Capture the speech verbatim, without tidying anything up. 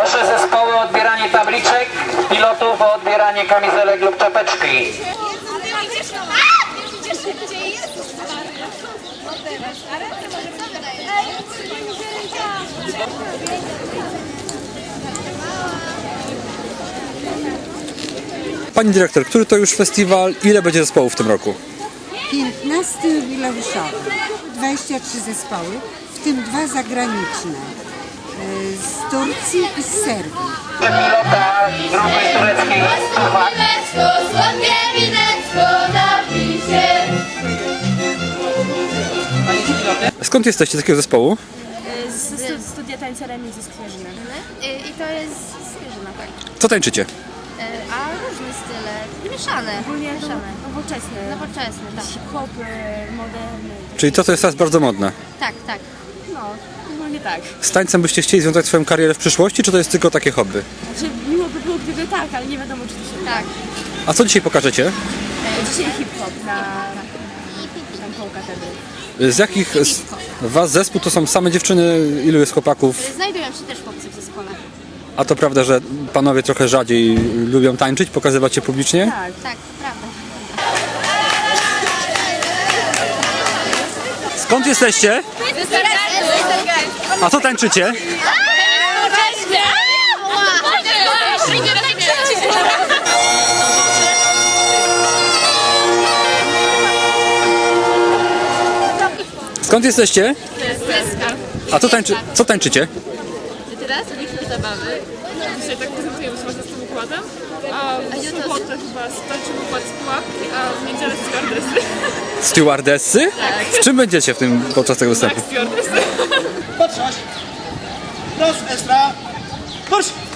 Proszę zespoły o odbieranie tabliczek, pilotów o odbieranie kamizelek lub czapeczki. Pani dyrektor, który to już festiwal? Ile będzie zespołów w tym roku? piętnasty jubileuszowy, dwadzieścia trzy zespoły, w tym dwa zagraniczne, e, z Turcji i z Serbii. Pilota grupy tureckiej Turwak. Słodkie winecko napisie. Skąd jesteście, z jakiego zespołu? Z studia tańca Remizy z Kwierzyna. I to jest zwierzyna, tak. Co tańczycie? A różne style, mieszane. Ogólnie mieszane. nowoczesne. Nowoczesne, tak. Hip-hop, moderny. Czyli to, co jest teraz bardzo modne. Tak, tak. No, ogólnie tak. Z tańcem byście chcieli związać swoją karierę w przyszłości, czy to jest tylko takie hobby? Znaczy, miło by było, gdyby tak, ale nie wiadomo, czy to się uda. Tak. A co dzisiaj pokażecie? E, Dzisiaj hip-hop na tam koło katedry. Z jakich z was zespół to są same dziewczyny? Ilu jest chłopaków? Znajdują się też chłopcy w zespole. A to prawda, że panowie trochę rzadziej lubią tańczyć, pokazywać się publicznie? Tak. Tak, to prawda. Skąd jesteście? A co tańczycie? Skąd jesteście? A co, tańczy, co tańczycie? Teraz mieliśmy zabawy. Dzisiaj tak prezentujemy się właśnie z tym układem. A w sobotę chyba tańczymy układ z pułapki, a w niedzielę stewardessy. Stewardessy? W czym będziecie w tym podczas tego występu? Tak, stewardessy. Patrzać! Proszę, Estra! Proszę!